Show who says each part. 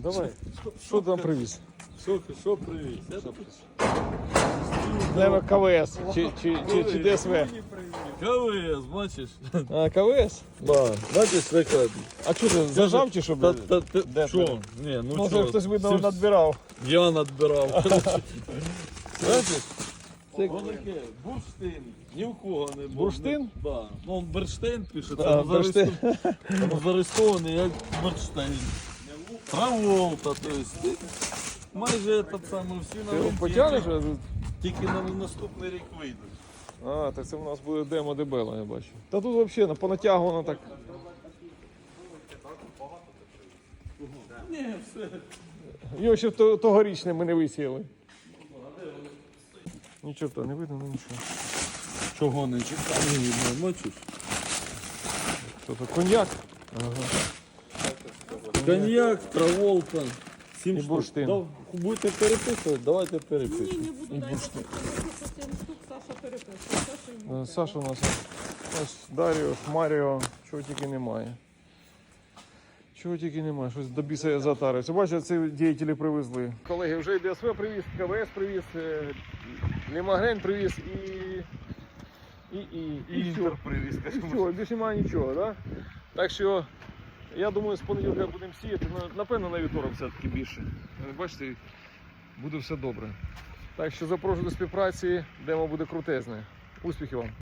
Speaker 1: Давай. Що ти нам привіз?
Speaker 2: Що привіз?
Speaker 1: Наверно, КВС чи ДСВ.
Speaker 2: КВС, бачиш?
Speaker 1: А, КВС?
Speaker 2: Да. Бачиш, така.
Speaker 1: А що ти, зажав чи що?
Speaker 2: Що? Ні, ну
Speaker 1: Може
Speaker 2: що?
Speaker 1: хтось, видно, надбирав.
Speaker 2: Я надбирав. Бачиш? Це таке, бурштин. Ні в кого не було.
Speaker 1: Бурштин?
Speaker 2: Да. Ну, Берштейн пише,
Speaker 1: А, Берштейн.
Speaker 2: зареєстрований як Берштейн. Траволта, то есть. Майже этот самий всі
Speaker 1: Ти його
Speaker 2: новинки,
Speaker 1: потягнеш?
Speaker 2: тільки на наступний рік вийдуть.
Speaker 1: А, так це у нас буде демо дебела, я бачу. Та тут взагалі понатягувано так.
Speaker 2: Ні, все.
Speaker 1: Його ще тогорічне ми не висіяли. Нічого то не видно, нічого.
Speaker 2: Чого не чекав, не видно, бачиш?
Speaker 1: Що то, коньяк? Ага.
Speaker 2: Коньяк, Траволта, 7
Speaker 1: І
Speaker 2: штук.
Speaker 1: бурштин.
Speaker 2: Будете переписувати, давайте переписуємо.
Speaker 3: Ні, не буду, дайте по 7 штук, Саша переписує. Саша йому.
Speaker 1: Саша у нас ось Даріо, Маріо, чого тільки немає. Чого тільки немає, щось до біса затарився. Бачите, ці діятелі привезли. Колеги, вже і ДСВ привіз, КВС привіз, Лімагрень привіз і
Speaker 2: Інтер привіз,
Speaker 1: І все, більше немає нічого, да? Так що, я думаю, з понеділка будемо сіяти, напевно, на вівторок все-таки більше. Бачите, буде все добре. Так що запрошую до співпраці, демо буде крутезне. Успіхів вам!